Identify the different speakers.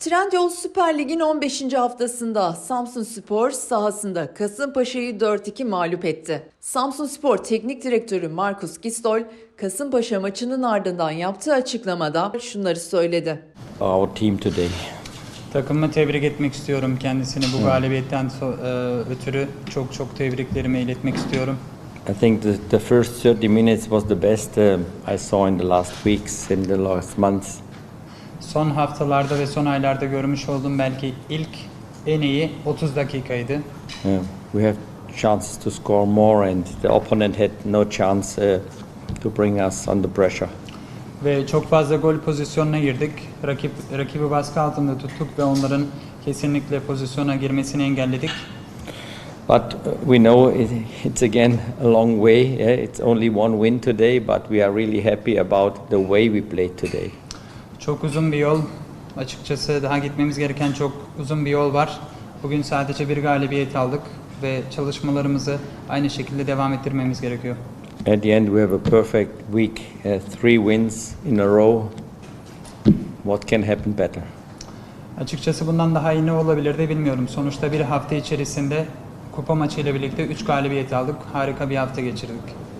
Speaker 1: Trendyol Süper Lig'in 15. haftasında Samsunspor sahasında Kasımpaşa'yı 4-2 mağlup etti. Samsunspor Teknik Direktörü Markus Gistol, Kasımpaşa maçının ardından yaptığı açıklamada şunları söyledi.
Speaker 2: Our team today.
Speaker 3: Takımımı tebrik etmek istiyorum kendisini bu galibiyetten ötürü çok tebriklerimi iletmek istiyorum.
Speaker 2: I think the first 30 minutes was the best I saw in the last weeks, in the last months.
Speaker 3: Son haftalarda ve son aylarda görmüş olduğum belki ilk en iyi 30 dakikaydı.
Speaker 2: We have chances to score more and the opponent had no chance to bring us under pressure.
Speaker 3: Ve çok fazla gol pozisyonuna girdik. Rakibi baskı altında tuttuk ve onların kesinlikle pozisyona girmesini engelledik.
Speaker 2: But we know it's again a long way. Yeah? It's only one win today, but we are really happy about the way we played today.
Speaker 3: Çok uzun bir yol. Açıkçası daha gitmemiz gereken çok uzun bir yol var. Bugün sadece bir galibiyet aldık ve çalışmalarımızı aynı şekilde devam ettirmemiz gerekiyor.
Speaker 2: At the end, we have a perfect week, 3 wins in a row. What can happen better?
Speaker 3: Açıkçası bundan daha iyi ne olabilirdi bilmiyorum. Sonuçta bir hafta içerisinde kupa maçıyla birlikte 3 galibiyet aldık. Harika bir hafta geçirdik.